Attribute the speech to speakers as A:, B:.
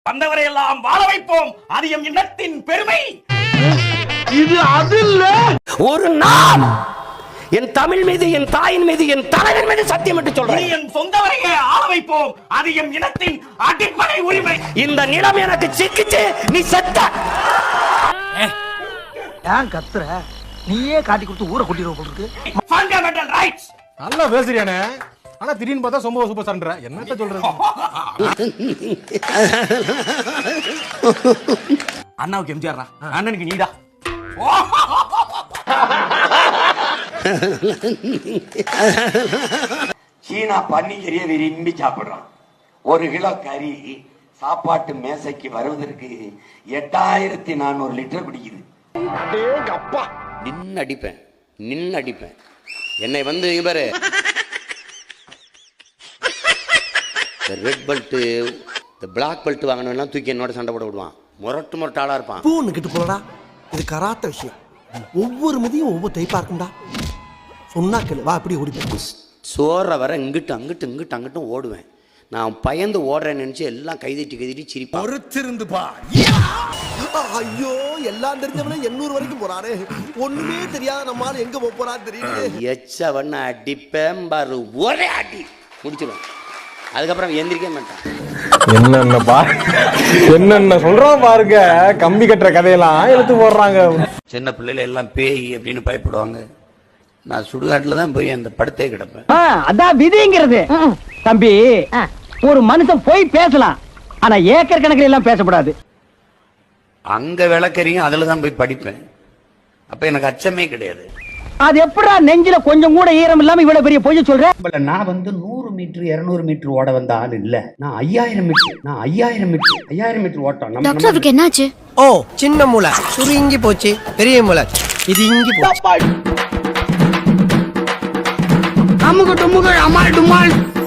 A: வந்தவரை எல்லாம் வாழ வைப்போம், அது எம் இனத்தின் பெருமை.
B: இது அது இல்ல.
C: ஒரு நாள் என் தமிழ் மீது, என் தாயின் மீது, என் தலைவன் மீது சத்தியம் என்று சொல்றேன்.
A: என் சொந்தவரையே ஆள வைப்போம், அது எம் இனத்தின் அடிப்படை உரிமை.
C: இந்த நிலம் எனக்கு சிக்கிச்சு, நீ செத்த.
B: ஏன் கத்துற? நீயே காட்டி கொடுத்து ஊரை கூட்டிடுவோம் போட்டுருக்கு.
A: Fundamental rights.
D: நல்லா பேசுறியானே, ஆனா திடீர்னு பார்த்தா சொம்ப சூப்பர் சண்டை. என்னத்த சொல்றது?
A: அண்ணாவுக்கு எம்ஜிஆர், அண்ணனுக்கு நீடா.
E: சீனா பன்னிக்கறியை விரும்பி சாப்பிடுறான். ஒரு கிலோ கறி சாப்பாட்டு மேசைக்கு வருவதற்கு 8400 லிட்டர் பிடிக்குது.
C: நின்னு அடிப்பேன். என்னை வந்து இவரு ரெட் பெல்ட், இந்த பிளாக் பெல்ட் வாங்கணும்னா தூக்கி என்னோட சண்டை போட விடுவான். முரட்டு ஆளா இருப்பான்.
F: பூன்னு கிட்டு போலடா. இது கராத்த விஷயம். ஒவ்வொரு மதியம் ஒவ்வொரு டைப்பா இருக்கும்டா. சொன்னா கேளு, வா அப்படி ஓடி.
C: சோற வர இங்கிட்டும் ஓடுவேன். நான் பயந்து ஓடுறேன்னு நினைச்சு எல்லாம் கைதட்டி சிரிப்பான்.
F: பொறுத்திருந்து பா. ஐயோ, எல்லாம் தெரிஞ்சவனே 800 வரைக்கும் போறாரு. ஒண்ணுமே தெரியாத நம்மால எங்க போறான்னு தெரியல.
C: எச்சவன அடிப்பேன் பாரு, ஒரே அடி முடிச்சிடும். அதுக்கப்புறம் எந்திரிக்க மாட்டான்.
D: என்னென்ன சொல்றோம் பாருங்க. கம்பி கட்டுற கதையெல்லாம் எடுத்து போடுறாங்க.
C: சின்ன பிள்ளைல எல்லாம் பேய் அப்படின்னு பயப்படுவாங்க. நான் சுடுகாட்டுல தான் போய் அந்த படுத்தே கிடப்பேன்.
G: அதான் விதிங்கிறது. தம்பி, ஒரு மனுஷன் போய் பேசலாம், ஆனா ஏக்கர் கணக்கில் எல்லாம் பேசக்கூடாது.
C: அங்க விளக்கறியும் அதுல தான் போய் படிப்பேன். அப்ப எனக்கு அச்சமே கிடையாது.
G: அது எப்படா நெஞ்சில கொஞ்சம் கூட ஈரம் இல்லாம இவ்வளவு பெரிய பொய்ய சொல்ற?
H: நான் வந்து 100 மீட்டர் 200 மீட்டர் ஓட வந்த ஆள் இல்ல. நான் 5000 மீட்டர் ஓட்டம்.
I: டாக்டர், அவருக்கு என்னாச்சு?
F: ஓ, சின்ன மூளை சுருங்கி போச்சு, பெரிய மூளை இது இங்கி போச்சு.
G: அமுக டுமுக அமால் டுமால்.